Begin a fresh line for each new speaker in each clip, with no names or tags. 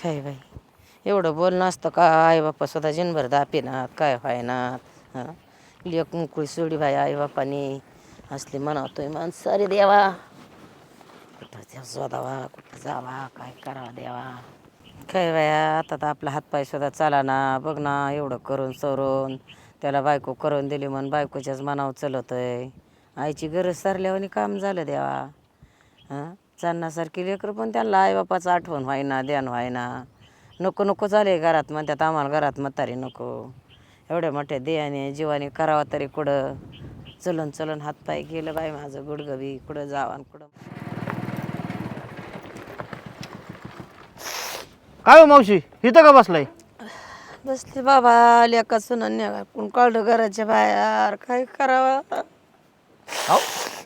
काय बाई एवढं बोलणं असतं का? आई बाप्पा सुद्धा जिनभर दापेनात काय व्हायनात हां. लेक मुकळी सोडी बाई आई बापानी असली म्हणावतोय माणसं सारे देवा कुठं शोधावा कुठं जावा काय करावा देवा. काय बाया आता तर आपला हातपाय सुद्धा चाला ना बघ ना एवढं करून सरून त्याला बायको करून दिली म्हणून बायकोच्याच मनावर चलतय. आईची गरज सरल्यावानी काम झालं देवा. हां चालण्यासारखी लेकरं पण त्यांना आईबापाचं आठवण व्हायना ध्यान व्हायना. नको नको झाले घरात म्हणतात आम्हाला घरात म्हातारी नको. एवढ्या मोठ्या देहाने जीवाने करावा तरी कुठं चलन चलन हातपाय गेलं बाई माझं गुडघं बी कुठं जावा कुठं.
काय हो मावशी इथं का बसलाय?
बसले बाबा लेका सुनांनी कोण काढलं घराच्या बाहेर काय करावं.
अहो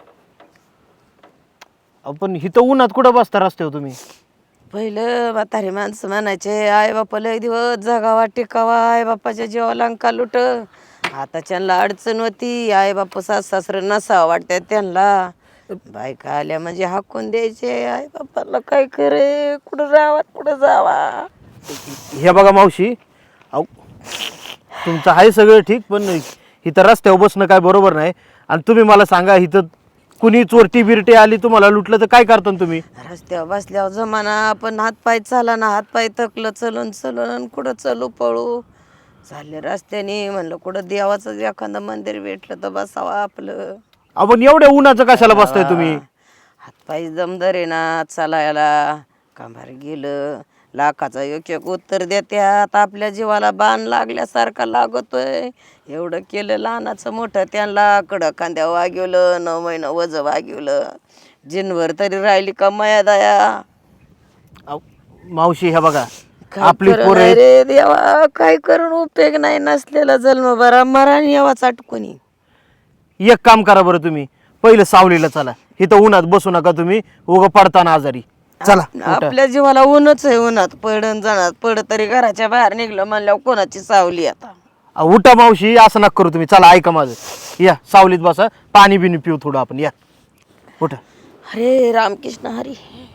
अहो, पण इथं उन्हात कुठं बसता रस्त्यावर तुम्ही?
पहिलं म्हातारी माणसं म्हणायचे आई बापा लय दिवस जगावा टिकावा आई बापाच्या जीवाला अंका लुट. आता त्यांना अडचण होती आई बापा सासरं नसावं वाटतं त्यांना. बायका आल्या म्हणजे हाकून द्यायचे आई बापाला काय करे कुठं राहावा कुठं जावा.
हे बघा मावशी अहो तुमचं आहे सगळं ठीक पण इथं रस्त्यावर बसणं काय बरोबर नाही. आणि तुम्ही मला सांगा इथं कुणी चोरटी बिरटी आली तुम्हाला लुटलं तर काय करता तुम्ही?
रस्त्यावर बसल्यावर जमाना पण हातपाय चाला ना हातपाय थकलं चलून चलून आणि कुठं चलू पळू चालले रस्त्याने. म्हणलं कुठं देवाचं एखादं मंदिर भेटलं तर बसावं आपलं.
आपण एवढ्या उन्हाचं कशाला बसताय तुम्ही?
हातपाय दमदार ना चालायला कांभार गेलं लाखाचं एक एक उत्तर देत्यात आपल्या जीवाला बाण लागल्यासारखा लागतोय. एवढं केलं लहानाचं मोठं त्यांना कडं खांद्या वागिवलं 9 महिना वजं वागिवलं जिनवर तरी राहिली का माया दया.
अहो, मावशी हे बघा
काय
आपली
करू
पोरं
नाही
आहेत.
रे देवा काय करून उपयोग नाही नसलेला जन्म बरा मरण यावा चाटकुनी.
एक काम करा बरं तुम्ही पहिलं सावलीला चला. इथं उन्हात बसू नका तुम्ही उगं पडताना आजारी. चला उठा.
आपल्या जीवाला ऊनच आहे उन्हात पडण जाणार पड तरी घराच्या बाहेर निघलं म्हणल्यावर कोणाची सावली आता.
उठा मावशी असं नका करू तुम्ही. चला ऐका माझं या सावलीत बसा पाणी बिनी पिऊ थोडं आपण या उठा.
हरे रामकृष्ण हरी.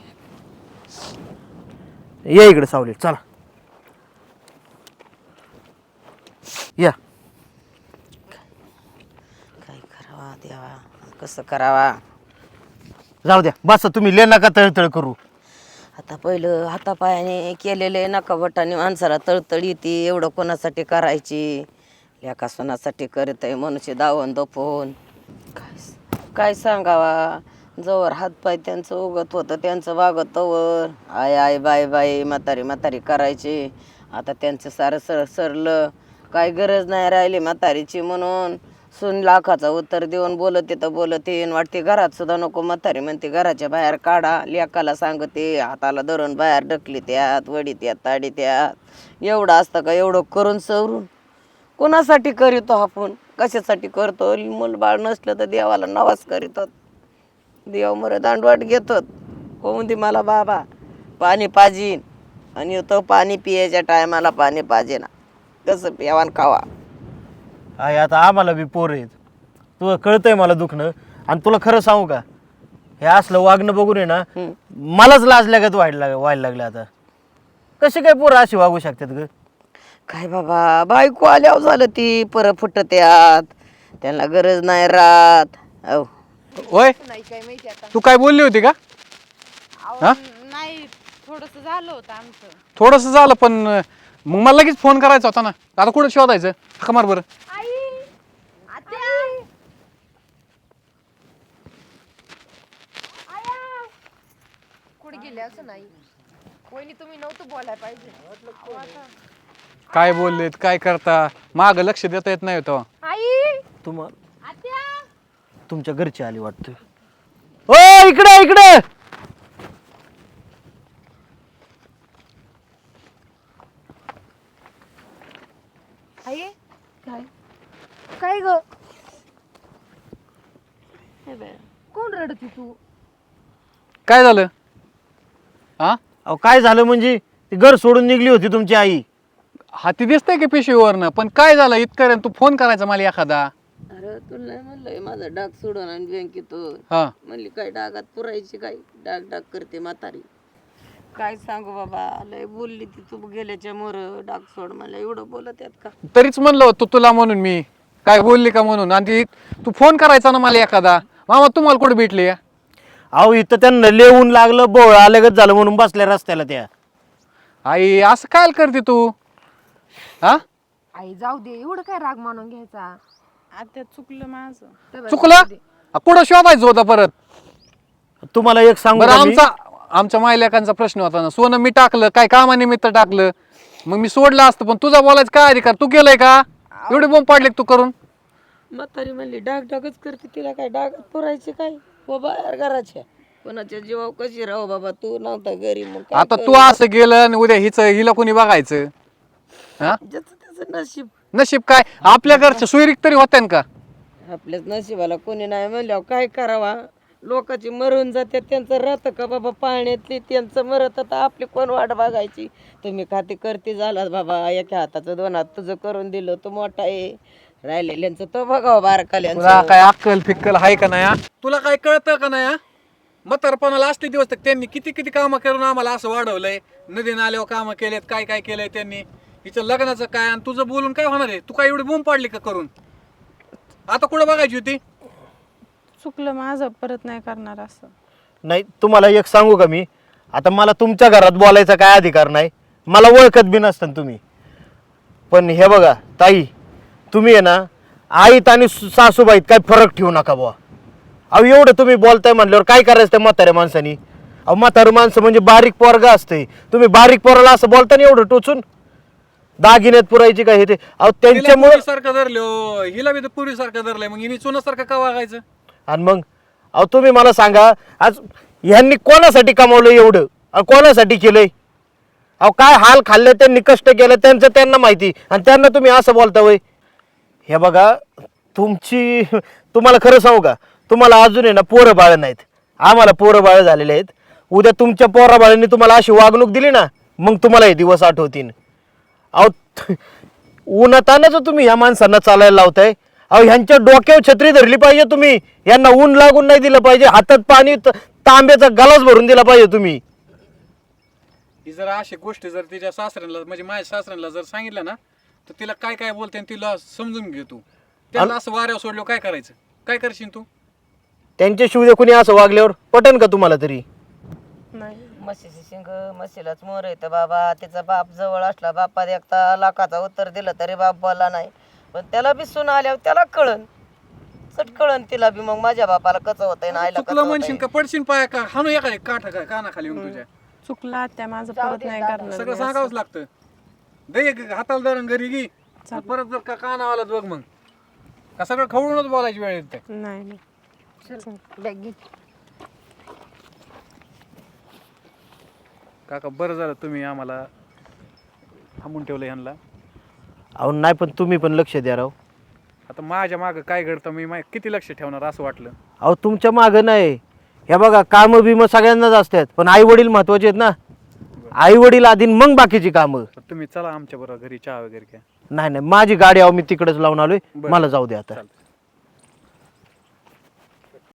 या इकडे सावलीत चला या.
काय करावा देवा कसं करावा.
जाऊ द्या बसा तुम्ही ले नका तळतळ करू.
आता पहिलं हातापायाने केलेले नका बटाने माणसाला तळतळ येते एवढं कोणासाठी करायची. लेका सणासाठी करत आहे मनुष्य दावण दपवून काय सांगावा. जवळ हातपाय त्यांचं उगत होतं त्यांचं वागत तवर आय आय बाय बाय म्हातारी म्हातारी करायची. आता त्यांचं सारं सरलं काय गरज नाही राहिली म्हातारीची म्हणून. सून लाखाचा उत्तर देऊन बोलते तर बोलते वाटते घरात सुद्धा नको म्हातारी म्हणते घराच्या बाहेर काढा. लेकाला सांगते हाताला धरून बाहेर ढकली त्यात वडी त्यात ताडी त्यात. एवढं असतं का एवढं करून सवरून कोणासाठी करीतो आपण कशासाठी करतो. मूलबाळ नसलं तर देवाला नवाज करीतात देव मर दांडवाट घेतात. होऊन दे मला बाबा पाणी पाजीन आणि तो पाणी पियाच्या टायमाला पाणी पाजे ना कसं प्यावान खावा.
आहे आता आम्हाला बी पोर आहेत. तुला कळतंय मला दुखणं. आणि तुला खरं सांगू का हे असलं वागणं बघून आहे ना मलाच लाज लागत व्हायला लागलं. आता कसे काय पोरं अशी वागू शकतात ग?
काय बाबा बायको आल्यावर झालं ती परत फुटत्यात त्यांना गरज नाही राहत. अहो
ओय तू काय बोलली होती का? हा
नाही थोडस झालं होतं आमचं.
थोडस झालं पण मग मला लगेच फोन करायचा होता ना. आता कुठं शोधायचं हाका मार बरं.
कुठे गेले असं नाही कोणी तुम्ही नव्हतं बोलायला पाहिजे.
काय बोललेत काय करता माग लक्ष देता येत नाही होतं.
आई
तुमच्या घरची आली वाटतं. ओ इकडे इकडे.
आई काय काय ग कोण रडती तू?
काय झालं? हा
अहो काय झालं म्हणजे ती घर सोडून निघली होती तुमची आई.
हाती दिसतंय की पिशवीवरनं पण काय झालं इतकं तू फोन करायचा मला एखादा.
अरे तुला नाही म्हणलंय माझा डाग सोडून आणि बँकेत
हा
म्हणली काय डागात पुरायची काय डाग डाग करते म्हातारी. काय सांगू बाबा, लय बोलली ती तू गेल्याच्या मोर डाग सोड मला, एवढं बोलत आहेत का?
तरीच म्हणलं होतं तुला म्हणून मी काय बोलली का म्हणून. आणि तू फोन करायचा ना मला एखादा, मामा तुम्हाला कुठे भेटली?
अहो इथं त्यांना लेऊन लागलं, बोळ आलगच झालं म्हणून बसल्या रस्त्याला त्या.
आई असं काय करते तू? हा
आई जाऊ दे, एवढं काय राग मानून घ्यायचा.
आता चुकलं माझं.
तर
चुकलं? कुठं शोधायचं होतं परत?
तुम्हाला एक सांगू
बरं
का मी?
आमच्या मायलेकांचा प्रश्न होता ना, सोनं मी टाकलं काय कामानिमित्त टाकलं, मग मी सोडलं असतं, पण तुझा बोलायचं काय अधिकार? तू केलंय का? एवढे बोंब पाडले का तू करून?
म्हातारी म्हणली डाग डागच करते, तिला काय डागात पुरायचे काय हो बाहेर घराच्या, कोणाच्या जीवावर कशी राहू बाबा, तू नव्हता घरी मग काय
आता तू असं गेलं आणि उद्या हिला कोणी बघायचं? हा
ज्याचं त्याचं नशीब.
नशीब काय आपल्या घरच्या सुईरीक तरी होत्या का?
आपल्याच नशिबाला कोणी नाही म्हणल्यावर काय करावा? लोकांची मरून जाते, त्यांचं राहतं का बाबा पाण्यातली, त्यांचं मरत, आता आपली कोण वाट बघायची? तुम्ही खाती करते झालात बाबा, एका हाताचं दोन हात तुझं करून दिलं, तू मोठा आहे, राहिलेल्यांचं तो बघावं
तुला
बारकाल्यांचं.
काय अक्कल फिक्कल आहे का नाही? तुला काय कळतं का नाही? म्हातारपणाला असले दिवस तर त्यांनी किती किती कामं करून आम्हाला असं वाढवलंय, नदी नाल्यावर कामं केलेत, काय काय केलंय त्यांनी. हिचं लग्नाचं काय आणि तुझं बोलून काय होणार आहे? तू काय एवढी बोंब पाडली का करून? आता कुठं बघायची होती?
चुकलं माझं, परत नाही करणार असं.
नाही तुम्हाला एक सांगू का मी, आता मला तुमच्या घरात बोलायचा काय अधिकार नाही, मला ओळखत बी नसतं तुम्ही. पण हे बघा ताई, तुम्ही आहे ना आईत आणि सासूबाईत काय फरक ठेवू नका बुवा. अहो एवढं तुम्ही बोलताय म्हणल्यावर काय करायचं त्या म्हाताऱ्या माणसानी? अहो म्हातारं माणसं म्हणजे बारीक पोरगा असते, तुम्ही बारीक पोराला असं बोलता ना एवढं टोचून, दागिन्यात पुरायची काय हे ते? अहो त्यांच्यामुळे.
सारखं धरलो, हिला बी पुरी सारखं धरलंय, मग हिने चुनासारखं का वागायचं?
आणि मग अहो तुम्ही मला सांगा, आज ह्यांनी कोणासाठी कमावलं एवढं आणि कोणासाठी केलंय? अहो काय हाल खाल्ले त्यांनी, कष्ट केलं त्यांचं त्यांना माहिती, आणि त्यांना तुम्ही असं बोलता वय? हे बघा तुम्हाला खरं सांगू का, तुम्हाला अजून आहे ना पोरं बाळ नाहीत, आम्हाला पोरं बाळ झालेले आहेत. उद्या तुमच्या पोरा बाळांनी तुम्हाला अशी वागणूक दिली ना, मग तुम्हाला हे दिवस आठवतील. अहो उन्हातानाच तुम्ही या माणसांना चालायला लावताय. अहो ह्यांच्या डोक्यावर छत्री धरली पाहिजे तुम्ही, यांना ऊन लागून नाही दिलं पाहिजे, हातात पाणी तांब्याचा गलास भरून दिला पाहिजे तुम्ही.
ही जर अशी गोष्टी जर तिच्या सासऱ्यांना म्हणजे माझ्या सासऱ्यांना जर सांगितलं ना, तर तिला काय काय बोलते आणि तिला समजून घे तू. त्याला असं वाऱ्यावर सोडलं काय करायचं? काय करशील तू?
त्यांच्या शिवदे कुणी असं वागल्यावर पटन का तुम्हाला तरी?
नाही.
म्हशीची शिंग म्हशीलाच मोर येतं बाबा, तिचा बाप जवळ असला, बापात एकदा लाखाचा उत्तर दिलं तरी बाप बोलला नाही, पण त्याला बी सून आल्यावर त्याला कळन, चट कळन तिला बी, मग माझ्या बापाला कसं होतंय ना आईला
चुकलं म्हणशील का पडशील पाया का हाणू एका काठ काय कानाखाली येऊन तुझ्या?
चुकलं आत्या माझं, परत नाही करणार.
सगळं सांगावंच लागतं. दे हाताला धरून घरी घे, परत जर का काना आला बघ मग का सगळं खवळूनच बोलायची वेळ येते.
नाही नाही.
बॅग घे.
काका बरं झालं तुम्ही आम्हाला थांबून ठेवलं ह्यांना.
अहो नाही, पण तुम्ही पण लक्ष द्या राव.
आता माझ्या मागं काय घडतं मी किती लक्ष ठेवणार असं वाटलं.
अहो तुमच्या मागं नाही, हे बघा कामं बिमं सगळ्यांनाच असतात, पण आई वडील महत्वाचे आहेत ना. आई वडील आधी मग बाकीची कामं.
तुम्ही चला आमच्या बरोबर घरी चहा वगैरे घ्या.
नाही नाही, माझी गाडी अहो मी तिकडेच लावून आलोय, मला जाऊ द्या आता.
चालतं.